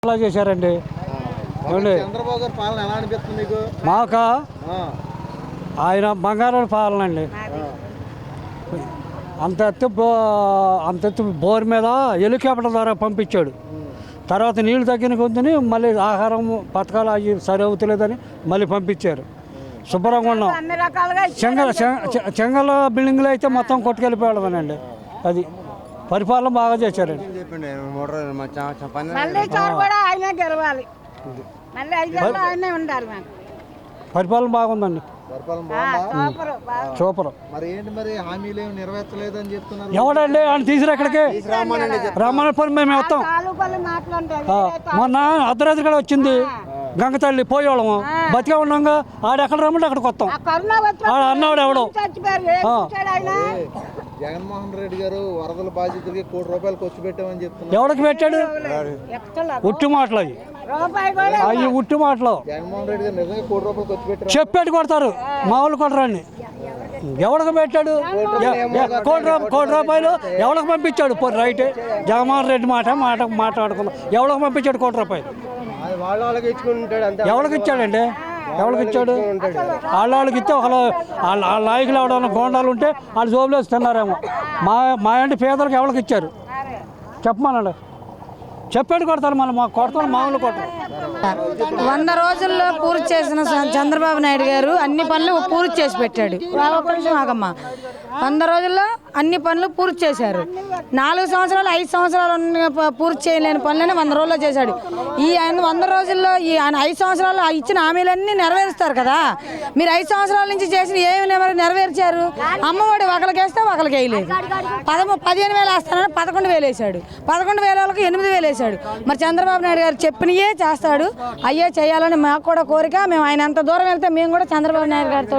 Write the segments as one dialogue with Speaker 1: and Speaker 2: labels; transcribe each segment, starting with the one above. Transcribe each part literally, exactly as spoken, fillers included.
Speaker 1: అలా చేశారండి.
Speaker 2: చంద్రబాబు గారి పాలన ఎలా అనిపిస్తుంది మీకు?
Speaker 1: మాక ఆయన బంగారం పాలన అండి. అంత ఎత్తు అంత ఎత్తు బోర్ మీద హెలికాప్టర్ ద్వారా పంపించాడు. తర్వాత నీళ్లు తగ్గిన కొద్దిని మళ్ళీ ఆహారం పథకాలు అవి సరి అవుతలేదని మళ్ళీ పంపించారు. శుభ్రంగా ఉన్నాం. చెంగల చెంగల బిల్డింగ్లు అయితే మొత్తం కొట్టుకెళ్ళిపోవడమేనండి. అది పరిపాలన బాగా చేశారండి. పరిపాలన బాగుందండి. సూపర్.
Speaker 2: మరి ఏంటి మరి హామీలు నెరవేర్చలేదని చెప్తున్నారు.
Speaker 1: ఎవడండి ఆయన తీసిరు ఎక్కడికి రమ్మని మేము వస్తాం. మొన్న అర్ధరాత్రి కూడా వచ్చింది గంగతల్లి పోయేవాళ్ళము. బతిగా ఉన్నాగా ఆడెక్కడ రమ్మంటే అక్కడికి వస్తాం. ఆడ అన్నాడు ఎవడో.
Speaker 2: జగన్మోహన్ రెడ్డి గారు వరదల బాధితులకి కోటి రూపాయలు ఖర్చు పెట్టామని చెప్తున్నారు.
Speaker 1: ఎవరికి పెట్టాడు? ఉట్టి మాటలు అవి అవి ఉట్టి మాటలు.
Speaker 2: జగన్మోహన్ రెడ్డి గారు నిజంగా కోటి రూపాయలు ఖర్చు పెట్టారు.
Speaker 1: చెప్పేటి కొడతారు, మామూలు కొట్టరాన్ని. ఎవరికి పెట్టాడు? కోటి కోటి రూపాయలు ఎవరికి పంపించాడు? పోయి రైటే జగన్మోహన్ రెడ్డి మాట మాట మాట్లాడుకున్నాం. ఎవరికి పంపించాడు కోటి రూపాయలు? ఎవరికి ఇచ్చాడండి? ఎవరికి ఇచ్చాడు? వాళ్ళ వాళ్ళకి ఇస్తే ఒకళ్ళు వాళ్ళ వాళ్ళ నాయకులు ఎవడన్నా గోండాలు ఉంటే వాళ్ళు జోబులేసి తిన్నారేమో. మా మా ఇంటి పేదలకు ఎవరికి ఇచ్చారు చెప్పమన్నాడు. చెప్పాడు కొడతారు, మళ్ళీ మా కొడతారు, మామూలు కొడతారు.
Speaker 3: వంద రోజుల్లో పూర్తి చేసిన చంద్రబాబు నాయుడు గారు అన్ని పనులు పూర్తి చేసి పెట్టాడు. ఒక్క నిమిషం ఆగమ్మా. వంద రోజుల్లో అన్ని పనులు పూర్తి చేశారు. నాలుగు సంవత్సరాలు ఐదు సంవత్సరాలు పూర్తి చేయలేని పనులని వంద రోజుల్లో చేశాడు. ఈ ఆయన వంద రోజుల్లో ఈ ఆయన ఐదు సంవత్సరాలు ఇచ్చిన హామీలన్నీ నెరవేరుస్తారు కదా. మీరు ఐదు సంవత్సరాల నుంచి చేసిన ఏమి నెరవేర్చారు? అమ్మఒడి ఒకరికి వేస్తే ఒకరికి వేయలేదు. పదమూ పదిహేను వేలు వేస్తానని పదకొండు వేలు వేసాడు. పదకొండు వేల వాళ్ళకి ఎనిమిది వేలు వేసాడు. మరి చంద్రబాబు నాయుడు గారు చెప్పినయే చేస్తాడు. అయ్యే చేయాలని మాకు కూడా కోరిక. మేము ఆయన ఎంత దూరం వెళ్తే మేము కూడా చంద్రబాబు నాయుడు గారితో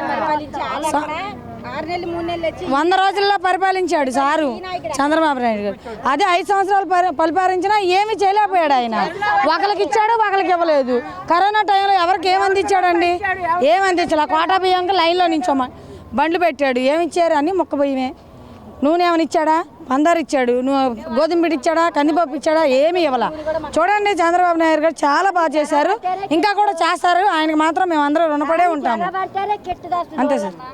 Speaker 3: వంద రోజుల్లో పరిపాలించాడు సారు చంద్రబాబు నాయుడు గారు. అదే ఐదు సంవత్సరాలు పరిపాలించినా ఏమీ చేయలేకపోయాడు ఆయన. ఒకరికి ఇచ్చాడు, ఒకరికి ఇవ్వలేదు. కరోనా టైంలో ఎవరికి ఏమందించాడండి? ఏమందించాలి? కోటా బియ్యంకి లైన్లో నించోమా బండ్లు పెట్టాడు. ఏమిచ్చారు? అని మొక్క బియ్యమే. నూనె ఏమైనా ఇచ్చాడా? పందారు ఇచ్చాడు. నువ్వు గోధుమ పిండి ఇచ్చాడా? కందిపప్పు ఇచ్చాడా? ఏమీ ఇవ్వాల. చూడండి, చంద్రబాబు నాయుడు గారు చాలా బాగా చేశారు. ఇంకా కూడా చేస్తారు. ఆయనకు మాత్రం మేము అందరూ రుణపడే ఉంటాము. అంతే సార్.